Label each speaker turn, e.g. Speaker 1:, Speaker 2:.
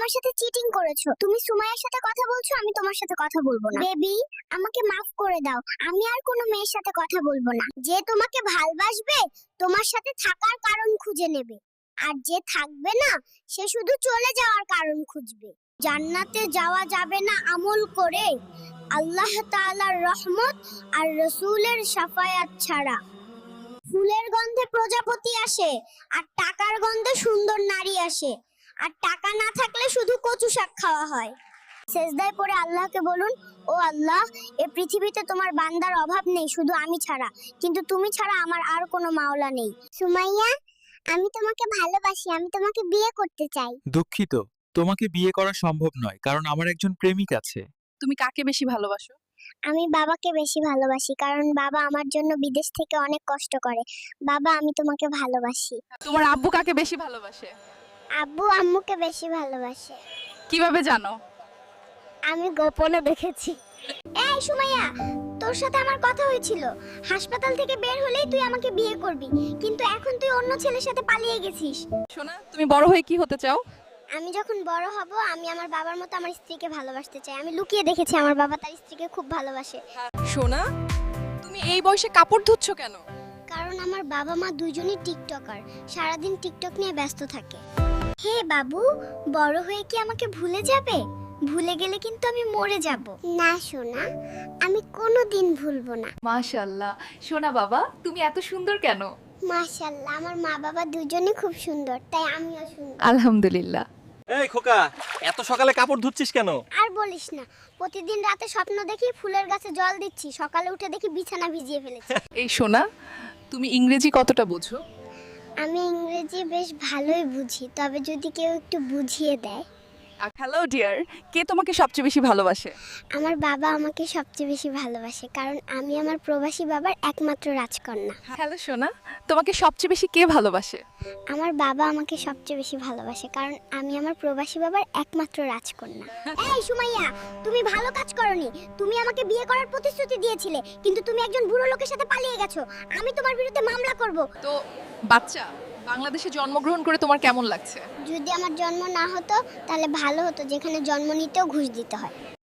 Speaker 1: আমার সাথে চিটিং করেছো। তুমি সুমাইয়ার সাথে কথা বলছো, আমি তোমার সাথে কথা বলবো না। বেবি, আমাকে মাফ করে দাও। আমি আর কোনো মেয়ের সাথে কথা বলবো না। যে তোমাকে ভালোবাসবে তোমার সাথে থাকার কারণ খুঁজে নেবে, আর যে থাকবে না সে শুধু চলে যাওয়ার কারণ খুঁজবে। জান্নাতে যাওয়া যাবে না আমল করে, আল্লাহ তাআলার রহমত আর রাসূলের শাফায়াত ছাড়া। ফুলের গন্ধে প্রজাপতি আসে, আর টাকার গন্ধে সুন্দর নারী আসে। আর টাকা না থাকলে শুধু কচু শাক খাওয়া হয়। সেজদায় পড়ে আল্লাহকে বলুন, ও আল্লাহ, এই পৃথিবীতে তোমার বান্দার অভাব নেই শুধু আমি ছাড়া, কিন্তু তুমি ছাড়া আমার আর কোনো মাওলা নেই। সুমাইয়া, আমি তোমাকে ভালোবাসি, আমি তোমাকে বিয়ে করতে চাই।
Speaker 2: দুঃখিত, তোমাকে বিয়ে করা সম্ভব নয়, কারণ আমার একজন প্রেমিক আছে।
Speaker 3: তুমি কাকে বেশি ভালোবাসো?
Speaker 1: আমি বাবাকে বেশি ভালোবাসি, কারণ বাবা আমার জন্য বিদেশ থেকে অনেক কষ্ট করে। বাবা, আমি তোমাকে ভালোবাসি।
Speaker 3: তোমার আব্বু কাকে বেশি ভালোবাসে?
Speaker 1: আব্বু আম্মুকে বেশি ভালোবাসে।
Speaker 3: কিভাবে জানো?
Speaker 1: আমি গোপনে দেখেছি। এই সুমাইয়া, তোর সাথে আমার কথা হয়েছিল। হাসপাতাল থেকে বের হলেই তুই আমাকে বিয়ে করবি, কিন্তু এখন তুই অন্য ছেলের সাথে পালিয়ে গেছিস।
Speaker 3: সোনা, তুমি বড় হয়ে কি হতে চাও?
Speaker 1: আমি যখন বড় হব, আমি আমার বাবার মতো আমার স্ত্রীকে ভালোবাসতে চাই। আমি লুকিয়ে দেখেছি আমার বাবা তার স্ত্রীকে খুব ভালোবাসে।
Speaker 3: সোনা, তুমি এই বয়সে কাপড় ধুচ্ছ কেন?
Speaker 1: কারণ আমার বাবা মা দুইজনই টিকটকার, সারাদিন টিকটক নিয়ে ব্যস্ত থাকে। হে বাবু, বড় হয়ে কি আমাকে ভুলে যাবে? ভুলে গেলে কিন্তু আমি মরে যাব। না সোনা, আমি কোনোদিন ভুলবো না।
Speaker 4: মাশাআল্লাহ, সোনা বাবা তুমি এত সুন্দর কেন?
Speaker 1: মাশাআল্লাহ, আমার মা বাবা দুজনেই খুব সুন্দর, তাই আমিও সুন্দর।
Speaker 4: আলহামদুলিল্লাহ।
Speaker 5: এই খোকা, এত সকালে কাপড় ধুচ্ছিস কেন?
Speaker 1: আর বলিস না, প্রতিদিন রাতে স্বপ্ন দেখি ফুলের গাছে জল দিচ্ছি, সকালে উঠে দেখি বিছানা ভিজিয়ে ফেলেছি।
Speaker 3: এই সোনা, তুমি ইংরেজি কতটা বোঝো?
Speaker 1: আমি ইংরেজি বেশ ভালোই বুঝি, তবে যদি কেউ একটু বুঝিয়ে দেয়।
Speaker 3: হ্যালো ডিয়ার, কে তোমাকে সবচেয়ে বেশি ভালোবাসে?
Speaker 1: আমার বাবা আমাকে সবচেয়ে বেশি ভালোবাসে, কারণ আমি আমার প্রবাসী বাবার একমাত্র রাজকন্যা।
Speaker 3: হ্যালো সোনা, তোমাকে সবচেয়ে বেশি কে ভালোবাসে?
Speaker 1: আমার বাবা আমাকে সবচেয়ে বেশি ভালোবাসে, কারণ আমি আমার প্রবাসী বাবার একমাত্র রাজকন্যা। এই সুমাইয়া, তুমি ভালো কাজ করনি। তুমি আমাকে বিয়ে করার প্রতিশ্রুতি দিয়েছিলে, কিন্তু তুমি একজন বুড়ো লোকের সাথে পালিয়ে গেছো। আমি তোমার বিরুদ্ধে মামলা করব।
Speaker 3: তো বাচ্চা, বাংলাদেশে জন্মগ্রহণ করে তোমার কেমন লাগছে?
Speaker 1: যদি আমার জন্ম না হতো তাহলে ভালো হতো, যেখানে জন্ম নিতেও ঘুষ দিতে হয়।